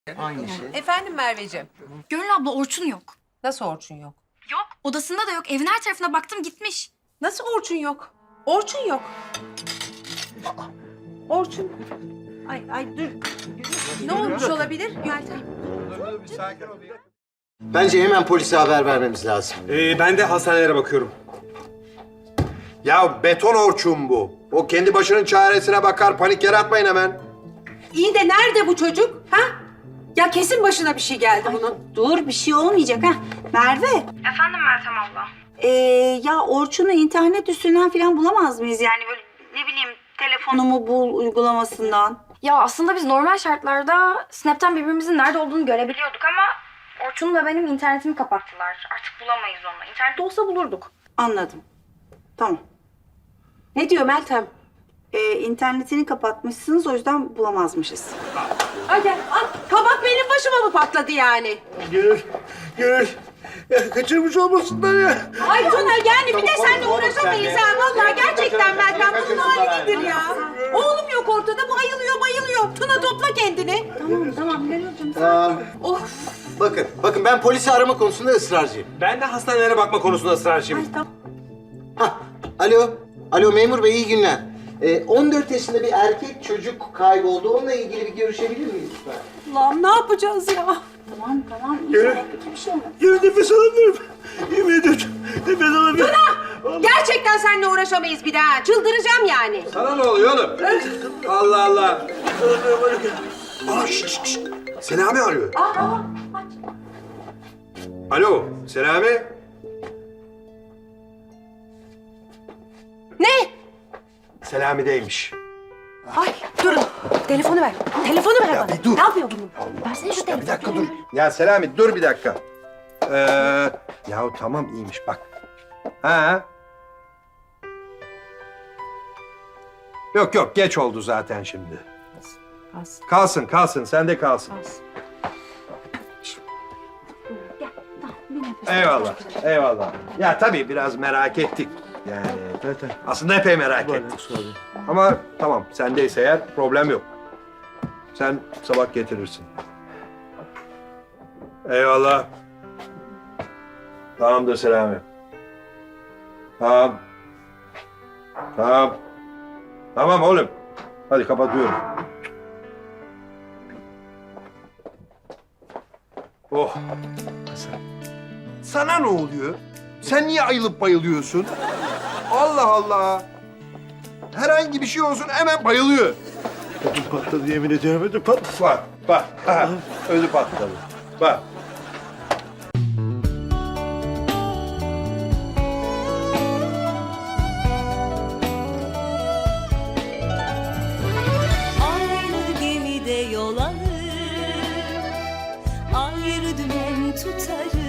Aynı şey. Efendim Merveciğim. Gönül abla Orçun yok. Nasıl Orçun yok? Yok. Odasında da yok. Evin her tarafına baktım gitmiş. Nasıl Orçun yok? Orçun yok. Aa, Orçun. Ay dur. Ne olmuş olabilir Meltem? Bence hemen polise haber vermemiz lazım. Ben de hastanelere bakıyorum. Ya beton Orçun bu. O kendi başının çaresine bakar. Panik yaratmayın hemen. İyi de nerede bu çocuk? Ha? Ya kesin başına bir şey geldi bunun. Dur bir şey olmayacak ha. Merve. Efendim Meltem abla. Ya Orçun'u internet üstünden falan bulamaz mıyız? Yani böyle ne bileyim telefonumu bul uygulamasından. Ya aslında biz normal şartlarda Snap'ten birbirimizin nerede olduğunu görebiliyorduk ama Orçun ve benim internetimi kapattılar. Artık bulamayız onu. İnternette olsa bulurduk. Anladım. Tamam. Ne diyor Meltem? İnternetini kapatmışsınız o yüzden bulamazmışız. Hadi al. Kabak benim başıma mı patladı yani? Gönül. Ya kaçırmış olmasınlar ya. Ay Tuna yani bir de seninle uğraşamayız ha. Vallahi gerçekten Meltem bunun hali nedir ya? Oğlum yok ortada bu ayılıyor. Tuna topla kendini. Tamam Gönülcüm. Of. Bakın ben polisi arama konusunda ısrarcıyım. Ben de hastanelere bakma konusunda ısrarcıyım. Hah, alo memur bey iyi günler. 14 yaşında bir erkek çocuk kayboldu. Onunla ilgili bir görüşebilir miyiz lütfen? Lan ne yapacağız ya? Tamam. Gönül. Bir şey olmaz. Gönül nefes alamıyorum. Yemin ediyorum. Nefes alamıyorum. Gerçekten seninle uğraşamayız bir daha. Çıldıracağım yani. Sana ne oluyor oğlum? Allah Allah. Aa şşş. Selami arıyor. Alo Selami. Ne? Selami'deymiş. Ay durun. Telefonu ver. Telefonu ver bana. bir dur. Ne yapıyor bunu? Versene şu telefonu. Bir dakika dur. Ya Selami dur bir dakika. Yahu tamam iyiymiş bak. Ha? Yok geç oldu zaten şimdi. Kalsın sende kalsın. Eyvallah. Ya tabii biraz merak ettik. Yani aslında epey merak ettik. Ama tamam sendeyse eğer problem yok. Sen sabah getirirsin. Eyvallah. Tamamdır Selami. Tamam. Tamam oğlum. Hadi kapatıyorum. Oh. Sana ne oluyor? Sen niye ayılıp bayılıyorsun? Allah Allah. Herhangi bir şey olsun hemen bayılıyor. Ödüm patladı yemin ediyorum ödüm patladı. Bak. Ödü patladı. Bak. Aynı gemide yol alır, ayrı dümen tutarız.